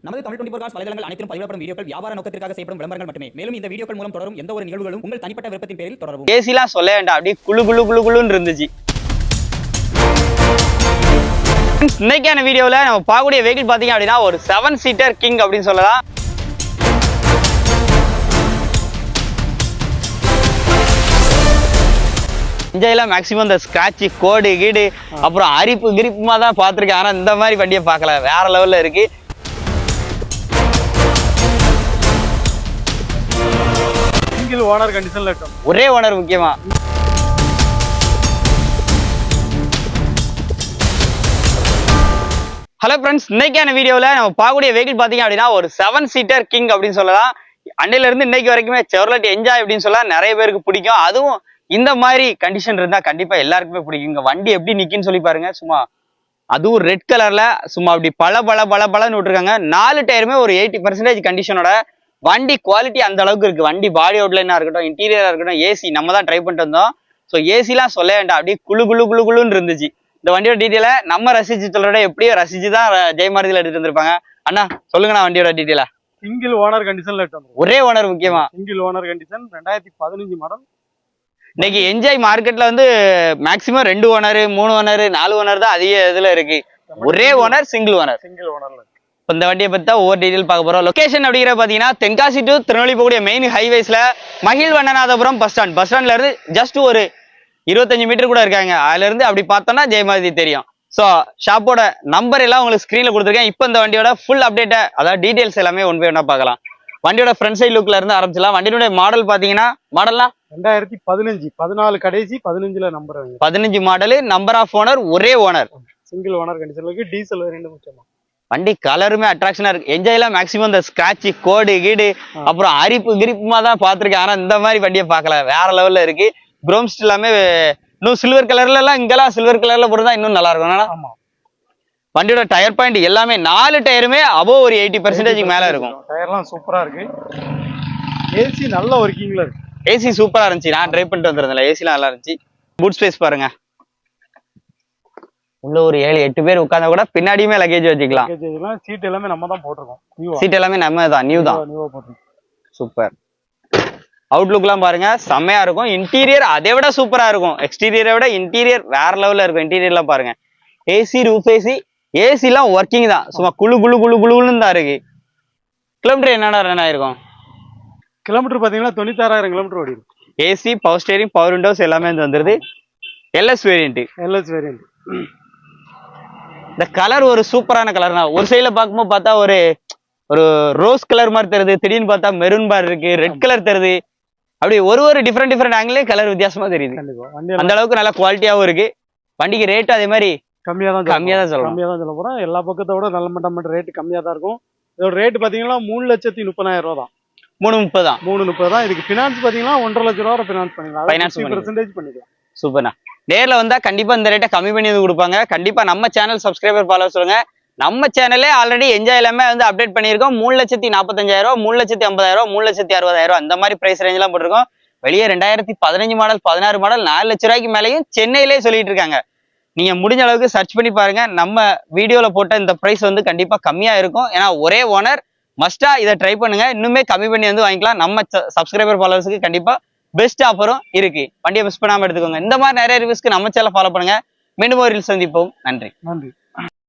நமது தமிழ் 24 காஸ் வலைதளங்கள் அனைத்தும் பதிவிடப்படும் வீடியோக்கள் வியாபார நோக்கத்திற்காக செய்யப்படும் விளம்பரங்கள் மட்டுமே. மேலும் இந்த வீடியோக்கள் மூலம் தொடரும் எந்த ஒரு நிகழ்வுகளும் உங்கள் தனிப்பட்ட விருப்பத்தின் பேரில் தொடரவும். ஏசிலாம் சொல்ல வேண்டாம், அப்படியே குளு குளு குளு குளுன்னு இருந்துச்சு. இன்னைக்கான வீடியோவில் நம்ம பார்க்கக்கூடிய வெஹிக்கிள் பார்த்தீங்க அப்படின்னா ஒரு 7 சீட்டர் கிங் அப்படின்னு சொல்லலாம். இன்ஜெல்லாம் மேக்ஸிமம் இந்த ஸ்கிராட்ச் கோடு கீடு அப்புறம் அரிப்பு கிரிப்புமா தான் பார்த்துருக்கேன். ஆனால் இந்த மாதிரி வண்டியை பார்க்கல, வேற லெவலில் இருக்கு. சிங்கிள் ஓனர் கண்டிஷன்ல இருக்கும், ஒரே ஓனர் முக்கியமா. ஹலோ ஃப்ரெண்ட்ஸ், இன்னைக்கான வீடியோவில் நம்ம பார்க்கக்கூடிய வெஹிக்கிள் பார்த்தீங்க அப்படின்னா ஒரு 7 சீட்டர் கிங் அப்படின்னு சொல்லலாம். அன்னையில இருந்து இன்னைக்கு வரைக்குமே செவர்லெட் என்ஜாய் அப்படின்னு சொல்லலாம், நிறைய பேருக்கு பிடிக்கும். அதுவும் இந்த மாதிரி கண்டிஷன் இருந்தா கண்டிப்பா எல்லாருக்குமே பிடிக்கும். இங்க வண்டி எப்படி நிக்குன்னு சொல்லி பாருங்க. சும்மா அதுவும் ரெட் கலர்ல சும்மா அப்படி பல விட்டுருக்காங்க. 4 டயருமே ஒரு 80% கண்டிஷனோட. வண்டி குவாலிட்டி அந்த அளவுக்கு இருக்கு. வண்டி பாடி அவுட்லைனா இருக்கட்டும், இன்டீரியரா இருக்கட்டும், ஏசி நம்ம தான் ட்ரை பண்ணிட்டு வந்தோம். ஸோ ஏசிலாம் சொல்ல வேண்டாம், அப்படியே குளு குளு குளு குளுன்னு இருந்துச்சு. இந்த வண்டியோட டீட்டெயிலை நம்ம ரசிச்சு சொல்றத எப்படியோ ரசிச்சு தான் ஜெயமாரதியில் எடுத்துட்டு வந்திருப்பாங்க. அண்ணா சொல்லுங்கண்ணா வண்டியோட டீட்டெயிலா. சிங்கிள் ஓனர் கண்டிஷன்ல இருக்கும், ஒரே ஓனர் முக்கியமா. Single owner condition 2015 model. இன்னைக்கு என்ஜாய் மார்க்கெட்ல வந்து மேக்சிமம் 2 ஓனர் 3 ஓனர் 4 ஓனர் தான் அதிக இதுல இருக்கு. ஒரே ஓனர் சிங்கிள் ஓனர். சிங்கிள் ஓனர்ல இந்த வண்டியை பத்தி தான் ஒவ்வொரு டீடைல் பார்க்க போறோம். லொகேஷன் அப்படிங்கிற பாத்தீங்கன்னா தென்காசி டு திருநெல்வேலி போகக்கூடிய மெயின் ஹைவேஸ்ல மகிழ்வண்ணநாதபுரம் பஸ் ஸ்டாண்ட்ல இருந்து ஜஸ்ட் ஒரு 25 மீட்டர் கூட இருக்காங்க. அதுல இருந்து அப்படி பார்த்தோம்னா ஜெயமாரதி தெரியும். ஸோ ஷாப்போட நம்பர் எல்லாம் உங்களுக்கு ஸ்க்ரீன்ல கொடுத்துருக்கேன். இப்போ இந்த வண்டியோட ஃபுல் அப்டேட்டை, அதாவது டீடைல்ஸ் எல்லாமே ஒன் பை ஒன்னா பார்க்கலாம். வண்டியோட ஃப்ரண்ட் சைட் லுக்ல இருந்து ஆரம்பிச்சலாம். வண்டியோட மாடல் பாத்தீங்கன்னா மாடல்லாம் 2015 14 கடைசி 15ல number 15 model. Number of owner ஒரே ஓனர். சிங்கிள் ஓனர் கண்டிஷன்ல இருக்கு. டீசல் வேரியன்ட் முக்கியமா. வண்டி கலருமே அட்ராக்ஷனா இருக்கு. என்ஜாய்லாம் மேக்ஸிமம் இந்த ஸ்கிராட்ச் கோடு கீடு அப்புறம் அரிப்பு கிரிப்புமா தான் பார்த்துருக்கேன். ஆனா இந்த மாதிரி வண்டியை பார்க்கல, வேற லெவல்ல இருக்கு. குரோம்ஸ் எல்லாமே இன்னும் சில்வர் கலர்ல எல்லாம், இங்கெல்லாம் சில்வர் கலர்ல போட்டுதான் இன்னும் நல்லா இருக்கும். ஆமா, வண்டியோட டயர் பாயிண்ட் எல்லாமே 4 டயருமே அபோவ் ஒரு 80% மேல இருக்கும். டயர்லாம் சூப்பரா இருக்கு. ஏசி நல்ல ஒர்க்கிங்ல இருக்கு. ஏசி சூப்பரா இருந்துச்சு. நான் ட்ரை பண்ணிட்டு வந்திருந்தேன். ஏசிலாம் நல்லா இருந்துச்சு. பூட் ஸ்பேஸ் பாருங்க. உள்ள ஒரு 7-8 பேர் உட்கார்ந்தா கூட பின்னாடியுமே லக்கேஜ் வச்சுக்கலாம். சீட் எல்லாமே நம்ம தான் போட்டிருக்கோம். சீட் எல்லாமே நம்ம தான், நியூ தான். சூப்பர். அவுட்லுக்லாம் பாருங்க, செம்மையா இருக்கும். இன்டீரியர் அதை விட சூப்பரா இருக்கும். எக்ஸ்டீரியரை விட இன்டீரியர் வேற லெவல்ல இருக்கும். இன்டீரியர்லாம் பாருங்க. ஏசி ரூஃப் ஏசி எல்லாம் ஒர்க்கிங் தான். சும்மா குழு குழு குழு குழுன்னு தான் இருக்கு. கிலோமீட்டர் என்னடா ரன் ஆயிருக்கும்? கிலோமீட்டர் பாத்தீங்கன்னா 96,000 கிலோமீட்டர் ஓடி இருக்கு. AC, power steering, power windows எல்லாமே வந்துருது. LS variant. இந்த கலர் ஒரு சூப்பரான கலர் தான். ஒரு சைட்ல பார்க்கும்போது பார்த்தா ஒரு ரோஸ் கலர் மாதிரி தருது, திடீர்னு பார்த்தா மெரூன் மாதிரி இருக்கு, ரெட் கலர் தருது. அப்படி ஒரு டிஃப்ரெண்ட் ஆங்கிலே கலர் வித்தியாசமா தெரியுது. அந்த அளவுக்கு நல்ல குவாலிட்டியாவும் இருக்கு. வண்டிக்கு ரேட் அதே மாதிரி கம்மியா தான் சொல்ல போறோம். எல்லா பக்கத்தோட நல்ல மட்டம் ரேட் கம்மியா தான் இருக்கும். இதோட ரேட் பாத்தீங்கன்னா 3,30,000 ரூபா தான். 330 தான். 330 தான். இதுக்கு பினான்ஸ் பாத்தீங்கன்னா 1,50,000 ரூபா பினான்ஸ் பண்ணிக்கலாம். சூப்பர்ண்ணா. நேர்ல வந்தா கண்டிப்பா இந்த ரேட்டை கம்மி பண்ணி கொடுப்பாங்க. கண்டிப்பா நம்ம சேனல் சப்ஸ்கிரைபர் ஃபாலோவர்ஸ் சொல்லுங்க. நம்ம சேனல்லே ஆல்ரெடி என்ஜாய் எல்லாமே வந்து அப்டேட் பண்ணியிருக்கோம். 3,45,000, 3,50,000, 3,60,000 அந்த மாதிரி பிரைஸ் ரேஞ்ச் எல்லாம் போட்டிருக்கோம். வெளியே 2015 மாடல் 16 மாடல் 4 லட்ச ரூபாய்க்கு மேலேயும் சென்னையிலே சொல்லிட்டு இருக்காங்க. நீங்க முடிஞ்ச அளவுக்கு சர்ச் பண்ணி பாருங்க. நம்ம வீடியோல போட்ட இந்த பிரைஸ் வந்து கண்டிப்பா கம்மியா இருக்கும். ஏன்னா ஒரே ஓனர், மஸ்டா இதை ட்ரை பண்ணுங்க. இன்னுமே கம்மி பண்ணி வந்து வாங்கிக்கலாம். நம்ம சப்ஸ்கிரைபர் ஃபாலோவர்ஸுக்கு கண்டிப்பா பெஸ்ட் ஆஃபரும் இருக்கு. வண்டியை மிஸ் பண்ணாம எடுத்துக்கோங்க. இந்த மாதிரி நிறைய ரிவ்யூஸ்க்கு நம்ம சேனலை ஃபாலோ பண்ணுங்க. மீண்டும் ஒரு சந்திப்போம். நன்றி.